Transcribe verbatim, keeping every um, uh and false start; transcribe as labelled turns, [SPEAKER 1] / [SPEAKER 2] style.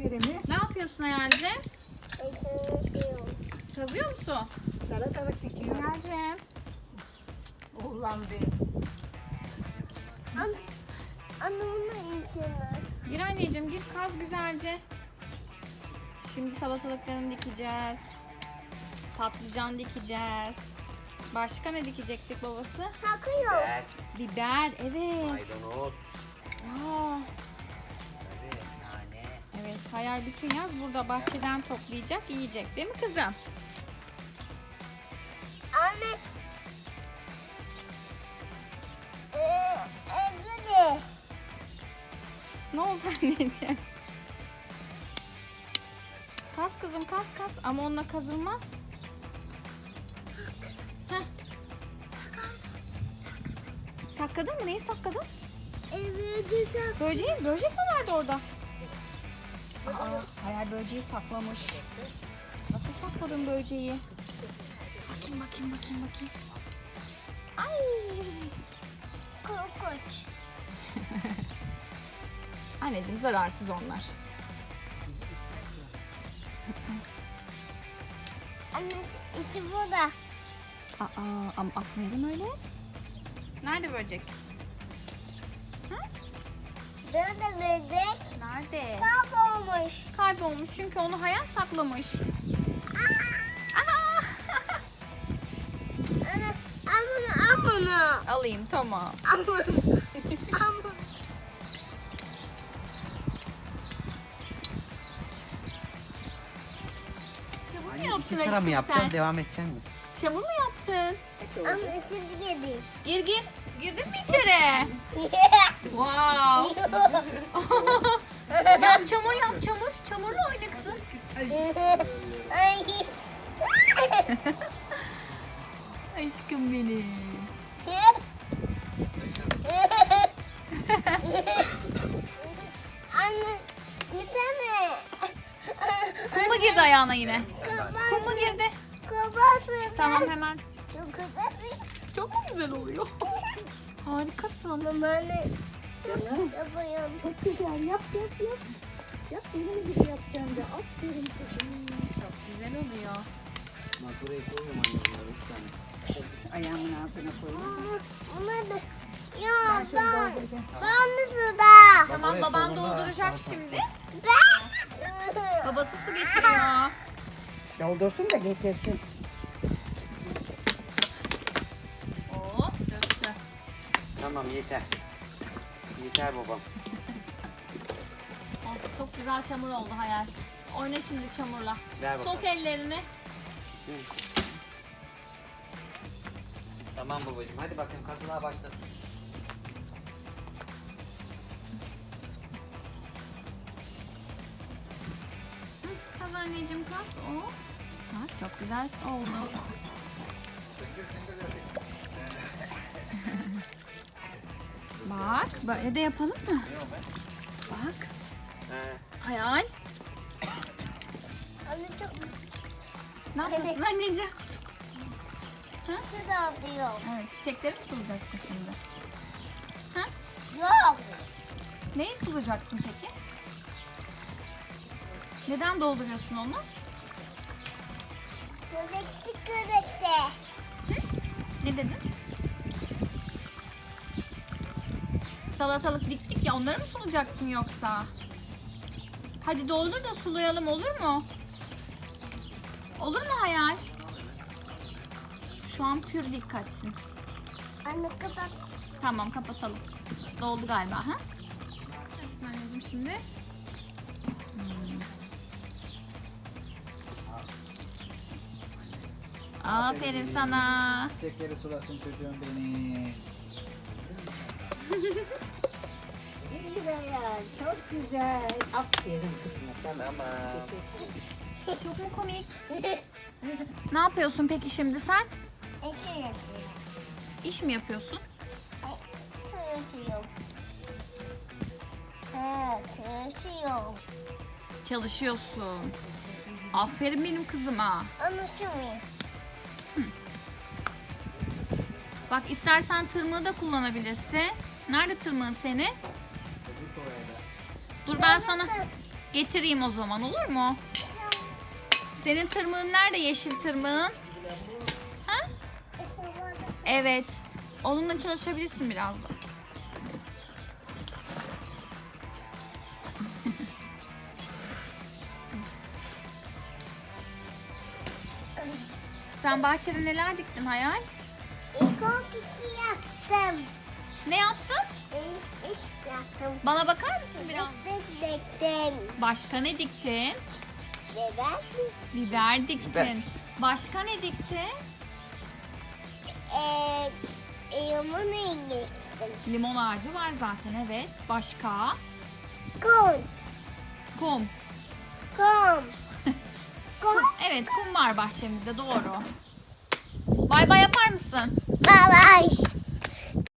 [SPEAKER 1] yerimi.
[SPEAKER 2] Ne yapıyorsun Hayal'cim? Kazıyor musun?
[SPEAKER 1] Salatalık dikiyorum.
[SPEAKER 2] Hayal'cim.
[SPEAKER 1] Oğlan benim.
[SPEAKER 3] Anne, anne bunun içine.
[SPEAKER 2] Gir anneciğim gir kaz güzelce. Şimdi salatalıklarını dikeceğiz. Patlıcan dikeceğiz. Başka ne dikecektik babası?
[SPEAKER 3] Sakın yok.
[SPEAKER 4] Güzel.
[SPEAKER 2] Biber evet.
[SPEAKER 4] Maydanoz.
[SPEAKER 2] Aa,
[SPEAKER 4] Evet, nane.
[SPEAKER 2] evet Hayal bütün yaz burada bahçeden toplayacak yiyecek değil mi kızım?
[SPEAKER 3] Anne. Ee, evde de.
[SPEAKER 2] Ne oldu anneciğim? Kaz kızım kaz kaz ama onunla kazılmaz. Heh. Sakladın mı? Neyi sakladın?
[SPEAKER 3] Evde sak.
[SPEAKER 2] Böceği, böcek mi vardı orada? Aa, Hayal böceği saklamış. Nasıl sakladın böceği? Bakayım bakayım bakayım bakayım. Ay.
[SPEAKER 3] Korkunç.
[SPEAKER 2] Anneciğim zararsız onlar.
[SPEAKER 3] Anne içi burada.
[SPEAKER 2] Aa, ama atmayalım öyle. Nerede böcek?
[SPEAKER 3] Burada böcek
[SPEAKER 2] Nerede?
[SPEAKER 3] kaybolmuş.
[SPEAKER 2] Kaybolmuş çünkü onu Hayal saklamış. Aa!
[SPEAKER 3] Anne al bunu al bunu.
[SPEAKER 2] Alayım tamam.
[SPEAKER 3] Al bunu. Al bunu.
[SPEAKER 2] Çamur mu
[SPEAKER 4] Anne
[SPEAKER 2] yaptın
[SPEAKER 4] iki sıra mı
[SPEAKER 2] aşkım
[SPEAKER 4] yapacağız?
[SPEAKER 2] sen?
[SPEAKER 4] Devam edecek mi?
[SPEAKER 2] Çamur mu yaptın?
[SPEAKER 3] Anne içeri geliyor.
[SPEAKER 2] Gir gir. Girdin mi içeri? Wow. Yap çamur yap çamur. Çamurla oyna kızım.
[SPEAKER 3] Ay.
[SPEAKER 2] Aşkım benim.
[SPEAKER 3] Anne bir tane.
[SPEAKER 2] Kum mu girdi ayağına yine? Kum
[SPEAKER 3] Kabası.
[SPEAKER 2] mu girdi?
[SPEAKER 3] Kabası.
[SPEAKER 2] Tamam hemen.
[SPEAKER 3] Çok güzel.
[SPEAKER 2] Çok mu güzel oluyor? Harikasın.
[SPEAKER 3] Mama anne.
[SPEAKER 1] Canım.
[SPEAKER 3] Yapıyorum.
[SPEAKER 1] Çok güzel. Yap yap yap. Yap benim gibi yap sen de. Aferin çocuğum.
[SPEAKER 2] Çok güzel oluyor.
[SPEAKER 4] Maturayı koyuyorum anne bunları üç tane.
[SPEAKER 1] Ayağımın altına koyayım.
[SPEAKER 3] Bunlar da. Ya
[SPEAKER 1] Ben şunu
[SPEAKER 3] ben.
[SPEAKER 1] dolduracağım.
[SPEAKER 3] Ben de suda.
[SPEAKER 2] Tamam
[SPEAKER 4] oraya
[SPEAKER 2] baban
[SPEAKER 4] solunda
[SPEAKER 2] dolduracak
[SPEAKER 4] salata.
[SPEAKER 2] şimdi.
[SPEAKER 3] Ben.
[SPEAKER 2] Babası su getiriyor.
[SPEAKER 1] Doldursun da getirsin.
[SPEAKER 2] Oo döktü.
[SPEAKER 4] Tamam yeter. Yeter babam.
[SPEAKER 2] Oh, çok güzel çamur oldu Hayal. Oyna şimdi çamurla.
[SPEAKER 4] Ver bakalım.
[SPEAKER 2] Sok ellerini.
[SPEAKER 4] Hı. Tamam babacığım hadi bakayım kazılığa başlasın.
[SPEAKER 2] Hı, Kaz anneciğim kaz. Oo. Ha, çok güzel oldu. Bak böyle de yapalım mı? Bak.
[SPEAKER 4] He.
[SPEAKER 2] Hayal.
[SPEAKER 3] Anne çok
[SPEAKER 2] Ne yapıyorsun anneciğim?
[SPEAKER 3] suda alıyor.
[SPEAKER 2] Evet çiçekleri mi sulayacaksın şimdi? Ha?
[SPEAKER 3] Yok.
[SPEAKER 2] Neyi sulayacaksın peki? Neden dolduruyorsun onu?
[SPEAKER 3] Görekti görekti.
[SPEAKER 2] Ne dedin? Salatalık diktik ya onları mı sulayacaksın yoksa? Hadi doldur da sulayalım olur mu? Olur mu Hayal? Şu an pür dikkatsin.
[SPEAKER 3] Anne kapat.
[SPEAKER 2] Tamam kapatalım. Doldu galiba ha? Anneciğim şimdi. Hmm. Aferin sana.
[SPEAKER 5] Çiçekleri sulasın çocuğum beni.
[SPEAKER 1] Güzel. Çok güzel. Aferin kızıma. Tamam.
[SPEAKER 4] Tamam.
[SPEAKER 2] Çok mu komik? Ne yapıyorsun peki şimdi sen?
[SPEAKER 3] İki yapıyor.
[SPEAKER 2] İş mi yapıyorsun?
[SPEAKER 3] Çalışıyor. Ha, çalışıyor.
[SPEAKER 2] Çalışıyorsun. Aferin benim kızıma.
[SPEAKER 3] Anlaşılmıyor.
[SPEAKER 2] Bak istersen tırmığı da kullanabilirsin. Nerede tırmığın senin? Dur ben sana Getireyim o zaman, olur mu? Senin tırmığın nerede, yeşil tırmığın? Ha? Evet. Onunla çalışabilirsin biraz da. Sen bahçede neler diktin Hayal?
[SPEAKER 3] İlk o kiki yaptım.
[SPEAKER 2] Ne yaptın?
[SPEAKER 3] İlk ilk yaptım.
[SPEAKER 2] Bana bakar mısın biraz?
[SPEAKER 3] Dik diktim.
[SPEAKER 2] Başka ne diktin?
[SPEAKER 3] Ve ben
[SPEAKER 2] Biber diktin.
[SPEAKER 4] Biber.
[SPEAKER 2] Başka ne diktin?
[SPEAKER 3] eee limonu indirdim.
[SPEAKER 2] Limon ağacı var zaten, evet. Başka?
[SPEAKER 3] Kum.
[SPEAKER 2] Kum.
[SPEAKER 3] Kum. Kum.
[SPEAKER 2] Evet, kum var bahçemizde, doğru. Bay bay yapar mısın?
[SPEAKER 3] Bye bye.